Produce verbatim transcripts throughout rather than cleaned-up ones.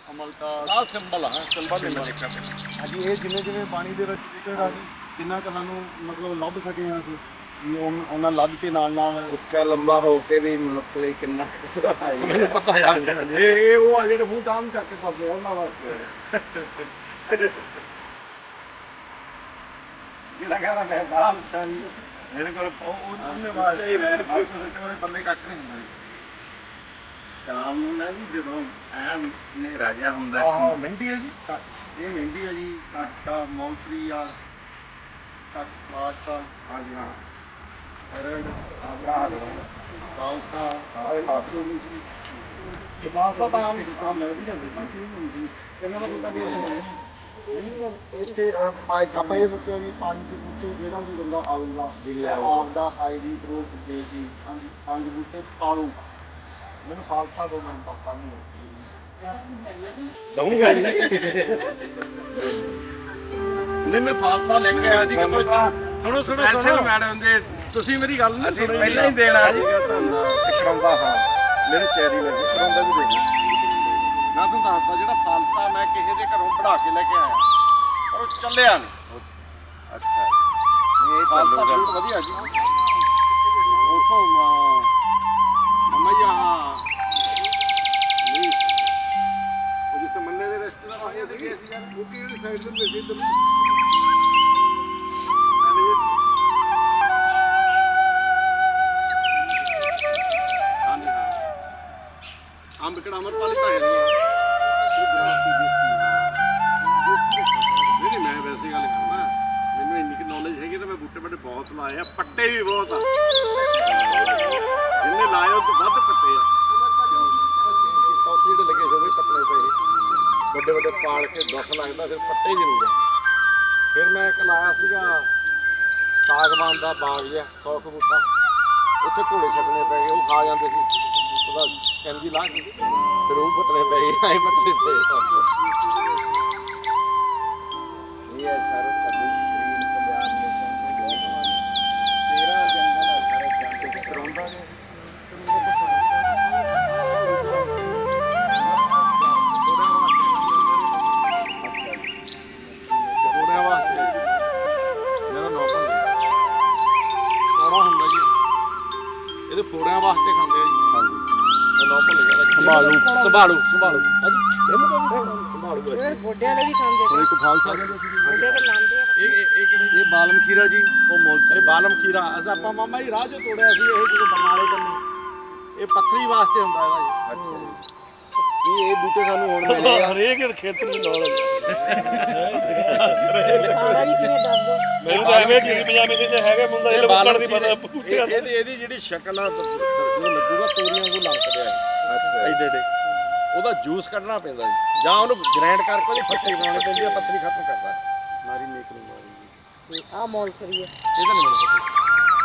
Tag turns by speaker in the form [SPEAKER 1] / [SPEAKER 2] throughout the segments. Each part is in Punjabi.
[SPEAKER 1] ਅਮਲ ਦਾ
[SPEAKER 2] ਆਹ ਸਿੰਬਲ ਆ ਸਿੰਬਲ ਨਹੀਂ ਦੇਖਿਆ
[SPEAKER 1] ਹਾਂਜੀ ਇਹ ਜਿਵੇਂ ਜਿਵੇਂ ਪਾਣੀ ਦੇ ਵਿੱਚ ਵਿਕਟ ਆ ਜੀ ਜਿੰਨਾ ਕੁ ਸਾਨੂੰ ਮਤਲਬ ਲੱਭ ਸਕੇ ਹਾਂ ਅਸੀਂ ਵੀ ਉਹ- ਉਹਨਾਂ ਲੱਭ ਕੇ ਨਾਲ ਨਾਲ
[SPEAKER 3] ਉੱਚਾ ਲੰਬਾ ਹੋ ਕੇ ਵੀ ਮਤਲਬ ਕਿੰਨਾ
[SPEAKER 2] ਮੈਨੂੰ ਪਤਾ ਯਾਰ
[SPEAKER 1] ਇਹ ਇਹ ਉਹ ਆ ਜਿਹੜੇ ਮੂੰਹ ਤਾਮ ਕਰਕੇ ਫਸਦੇ ਆ ਉਹਨਾਂ ਵਾਸਤੇ ਜਿਹੜਾ ਕਹਿੰਦਾ ਮੈਂ ਬਾਹਰ ਚਾਹੀ ਮੇਰੇ ਕੋਲ ਉਹ ਉਹਨੇ ਵਾਸਤੇ ਹੀ ਮੈਂ ਬੰਦੇ ਕੱਟ ਨਹੀਂ ਹੁੰਦਾ
[SPEAKER 3] ਸ਼ਾਮ ਨੂੰ ਨਾ ਜੀ ਜਦੋਂ ਐਨ ਹਨੇਰਾ ਜਿਹਾ ਹੁੰਦਾ
[SPEAKER 1] ਆਹ ਮਹਿੰਦੀ ਹੈ ਜੀ ਇਹ ਮਹਿੰਦੀ ਹੈ ਜੀ ਕਾਟਾ ਮੌਲਫਰੀ ਆ ਕੱਟ ਸਲਾਟਾ
[SPEAKER 3] ਹਾਂਜੀ ਹਾਂ
[SPEAKER 1] ਰੈਡ ਆਬਰਾ ਬਾਲਤਾ ਆਏ ਹਾਸੂ ਨਹੀਂ ਸੀ ਸਮਾਸਾ ਤਾਂ ਆਮ ਕੰਮ ਮਿਲ ਵੀ ਜਾਂਦੇ ਸੀ ਇਹਨਾਂ ਦਾ ਪਤਾ ਵੀ ਇੱਥੇ ਆਪਾਂ ਇਹ ਸੋਚਿਆ ਵੀ ਪੰਜ ਬੂਟੇ ਜਿਹੜਾ ਵੀ ਬੰਦਾ ਆਊਗਾ ਆਪਦਾ ਆਈਡੀ ਪ੍ਰੂਫ ਦੇ ਸੀ ਪੰਜ ਬੂਟੇ ਪਾਲੂ ਮੈਨੂੰ ਸਾਲਸਾ ਦੋ ਮੈਨੂੰ ਪਤਾ ਨਹੀਂ
[SPEAKER 2] ਦਊਂਗਾ ਜੀ ਨਹੀਂ ਮੈਂ ਫਾਲਸਾ ਲੈ ਕੇ ਆਇਆ ਸੀ ਕਿ ਕੋਈ ਸੁਣੋ ਸੁਣੋ ਸੁਣੋ ਮੈਡਮ ਦੇ ਤੁਸੀਂ ਮੇਰੀ ਗੱਲ ਨਹੀਂ ਸੁਣੀ
[SPEAKER 3] ਪਹਿਲਾਂ ਹੀ ਦੇਣਾ ਸੀਗਾ ਤੁਹਾਨੂੰ
[SPEAKER 2] ਕਰਾਉਂਦਾ ਹਾਂ ਮੈਨੂੰ ਚੈਰੀ ਲੈ ਕੇ ਕਰਾਉਂਦਾ ਵੀ ਦੇ ਮੈਂ ਤੁਹਾਨੂੰ ਦੱਸਦਾ ਜਿਹੜਾ ਫਾਲਸਾ ਮੈਂ ਕਿਸੇ ਦੇ ਘਰੋਂ ਪੜਾ ਕੇ ਲੈ ਕੇ ਆਇਆ ਪਰ ਉਹ ਚੱਲਿਆ ਨਹੀਂ
[SPEAKER 3] ਅੱਛਾ ਨਹੀਂ ਇਹ
[SPEAKER 2] ਫਾਲਸਾ
[SPEAKER 3] ਤਾਂ
[SPEAKER 2] ਬਹੁਤ ਵਧੀਆ ਜੀ ਉਥੋਂ ਮਮਾ ਜੀ ਆਹ ਨਹੀਂ ਉਹ ਜਿੱਥੇ ਮੰਨੇ ਦੇ ਰਿਸ਼ਤੇਦਾਰ ਆਏ ਸੀਗੇ ਅਸੀਂ ਯਾਰ ਉਹ ਕਿਹੜੀ ਸਾਈਡ ਤੋਂ ਮਿਲਦੇ ਇੱਧਰ ਹਾਂਜੀ ਹਾਂ ਅੰਬ ਕਿਹੜਾ ਅਮਰਪਾਲ ਤਾਂ ਹੈ ਨਹੀਂ ਉਹ ਗ੍ਰਾਫੀ ਦੇਖੀ ਨਹੀਂ ਮੈਂ ਵੈਸੇ ਗੱਲ ਕਰਨਾ ਮੈਨੂੰ ਇੰਨੀ ਕਿ ਨੌਲੇਜ ਹੈਗੀ ਤਾਂ ਮੈਂ ਬੂਟੇ ਬਾਟੇ ਬਹੁਤ ਲਾਏ ਆ ਪੱਟੇ ਵੀ ਬਹੁਤ ਆ ਜਿੰਨੇ ਲਾਏ ਉਹ ਤੋਂ ਵੱਧ ਪੱਟੇ ਆ ਸੌਥੀ ਦੇ ਲੱਗੇ ਜੋ ਵੀ ਪੱਟਣੇ ਪਏ ਵੱਡੇ ਵੱਡੇ ਪਾਲ ਕੇ ਦੁੱਖ ਲੱਗਦਾ ਫਿਰ ਪੱਟੇ ਜ਼ਰੂਰ ਆ ਫਿਰ ਮੈਂ ਇੱਕ ਲਾਇਆ ਸੀਗਾ ਸਾਗਵਾਨ ਦਾ ਬਾਗ ਜਿਹਾ ਸੌ ਕੁ ਬੂਟਾ ਉੱਥੇ ਘੋੜੇ ਛੱਡਣੇ ਪੈ ਗਏ ਉਹ ਖਾ ਜਾਂਦੇ ਸੀ ਉਹਦਾ ਸਕੈਂਜੀ ਲਾ ਕੇ ਫਿਰ ਉਹ ਪੱਟਣੇ ਪੈ ਗਏ ਐਂ ਪੱਟਣੇ ਪਏ
[SPEAKER 3] ਇਹ ਹੈ ਸਾਰੇ ਸਾਡੇ ਗ੍ਰੀਨ ਪੰਜਾਬ ਨੇਸ਼ਨ ਦੇ ਬਹੁਤ ਤੇਰਾ ਜੰਗਲ ਹੈ ਸਾਰੇ ਜੰਗਲ ਦੇ ਕਰਾਉਂਦਾ ਨੇ
[SPEAKER 2] ਘੋੜਿਆਂ ਵਾਸਤੇ ਜਿਹੜਾ ਨੌਕਰ ਘੋੜਾ ਹੁੰਦਾ ਜੀ ਇਹਦੇ ਫੋੜਿਆਂ ਵਾਸਤੇ ਖਾਂਦੇ ਆ ਜੀ ਹਾਂਜੀ ਉਹ ਨੌਕਰ ਲੱਗਿਆ ਸੰਭਾਲੂ ਸੰਭਾਲੂ ਸੰਭਾਲੂ ਹਾਂਜੀ ਇਹਨੂੰ ਤਾਂ ਸੰਭਾਲੂ
[SPEAKER 4] ਇਹ ਗੋਡਿਆਂ ਦੇ ਵੀ ਖਾਂਦੇ
[SPEAKER 2] ਕੋਈ ਕੋ ਫਾਲਸਾ
[SPEAKER 4] ਗੋਡੇ ਤੇ ਲਾਉਂਦੇ ਆ
[SPEAKER 2] ਇਹ ਇਹ ਇਹ ਕਿਹੜੇ ਇਹ ਬਾਲਮ ਖੀਰਾ ਜੀ ਉਹ ਮੁੱਲ ਇਹ ਬਾਲਮ ਖੀਰਾ ਅਸਾਂ ਆਪਾਂ ਮਾਮਾ ਜੀ ਰਾਹ 'ਚੋਂ ਤੋੜਿਆ ਸੀ ਇਹ ਜਦੋਂ ਬਰਨਾਲੇ ਕੰਨੇ ਇਹ ਪੱਥਰੀ ਵਾਸਤੇ ਹੁੰਦਾ ਇਹਦਾ ਜੀ
[SPEAKER 3] ਅੱਛਾ ਇਹ ਇਹ ਬੂਟੇ ਸਾਨੂੰ ਹੁਣ ਮਿਲੇ ਆ
[SPEAKER 5] ਹਰੇਕ ਖੇਤਰ ਦੀ ਨੌਲੇਜ
[SPEAKER 4] ਸਾਰਾ ਵੀ ਕਿਵੇਂ ਦੱਸ ਦੋ
[SPEAKER 5] ਮੈਨੂੰ ਤਾਂ ਐਵੇਂ ਕਿ ਪਜਾਮੇ ਤੇ ਹੈਗੇ ਮੁੰਡਾ ਇਹ ਲੋਕਾਂ ਦੀ ਪਤਾ ਬੂਟਿਆਂ
[SPEAKER 2] ਇਹਦੀ ਇਹਦੀ ਜਿਹੜੀ ਸ਼ਕਲ ਆ ਉਹ ਲੱਗੂਗਾ ਤੋਰੀਆਂ ਵਾਂਗੂ ਲੰਕਦੇ ਆ
[SPEAKER 3] ਅੱਛਾ
[SPEAKER 2] ਐਡੇ ਐਡੇ ਉਹਦਾ ਜੂਸ ਕੱਢਣਾ ਪੈਂਦਾ ਜੀ ਜਾਂ ਉਹਨੂੰ ਗ੍ਰਾਈਂਡ ਕਰਕੇ ਉਹਦੀ ਫੱਟੀ ਬਣਾਉਣੀ ਪੈਂਦੀ ਆ ਪੱਥਰੀ ਖਤਮ ਕਰਦਾ ਮਾਰੀ ਮੇਕ ਨੂੰ ਮਾਰੀ
[SPEAKER 4] ਆ ਮੌਲ ਕਰੀਏ
[SPEAKER 2] ਇਹਦਾ ਨਹੀਂ ਮੈਨੂੰ ਪਤਾ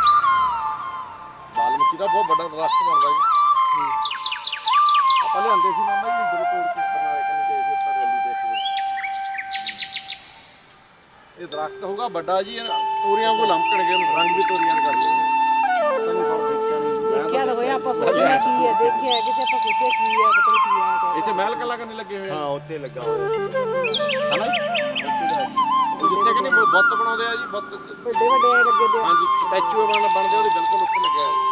[SPEAKER 2] ਬਾਲਮਕੀ ਦਾ ਬਹੁਤ ਵੱਡਾ ਦਰਖਤ ਬਣਦਾ ਜੀ ਆਪਾਂ ਲਿਆਂਦੇ ਸੀ ਮਾਮਾ ਜੀ ਜਦੋਂ ਤੋੜ ਕੇ ਬਣਾ ਕੇ ਕਹਿੰਦੇ ਗਏ ਸੀ ਉੱਪਰ ਰੈਲੀ ਦੇ ਇਹ ਦਰਖਤ ਹੋਊਗਾ ਵੱਡਾ ਜੀ ਤੋਰੀਆਂ ਵਾਂਗੂ ਲੰਕਣਗੇ ਰੰਗ ਵੀ ਤੋਰੀਆਂ ਦੇ ਕਰਦੇ ਸਾਨੂੰ ਸਭ ਦੇਖਿਆ ਨਹੀਂ
[SPEAKER 4] ਦੇਖਿਆ ਤਾਂ ਹੋਇਆ ਆਪਾਂ ਸੋਚਿਆ ਕੀ ਹੈ ਦੇਖਿਆ ਕਿਸੇ ਆਪਾਂ ਸੋਚਿਆ ਕੀ ਹੈ ਪਤਾ ਨਹੀਂ ਕੀ ਹੈ
[SPEAKER 2] ਇੱਥੇ ਮਹਿਲ ਕੱਲਾ ਕਰਨੇ ਲੱਗੇ ਹੋਏ ਆ
[SPEAKER 5] ਹਾਂ ਉੱਥੇ ਲੱਗਾ ਹੋਇਆ
[SPEAKER 2] ਹਨਾ ਉਹ ਜਿੱਥੇ ਕਹਿੰਦੇ ਬੁੱਤ ਬਣਾਉਂਦੇ ਆ ਜੀ ਬੁੱਤ
[SPEAKER 4] ਵੱਡੇ ਵੱਡੇ ਐ ਲੱਗੇ ਦੇ
[SPEAKER 2] ਹਾਂਜੀ ਸਟੈਚੂ ਬਣ ਬਣਦੇ ਉਹਦੇ ਬਿਲਕੁਲ ਉੱਤੇ ਲੱਗਿਆ ਹੋਇਆ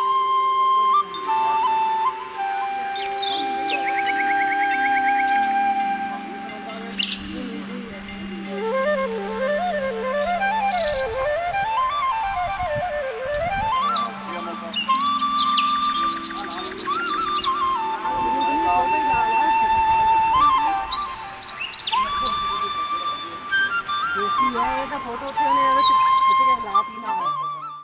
[SPEAKER 4] ਦੇਖੀ ਹੈ ਇਹ ਤਾਂ ਫੋਟੋ ਉੱਥੇ ਉਹਨੇ ਇਹਦੇ ਚ ਕਿਸੇ ਦੇ ਹਾਲਾਤ ਹੀ ਨਾ ਹੋਇਆ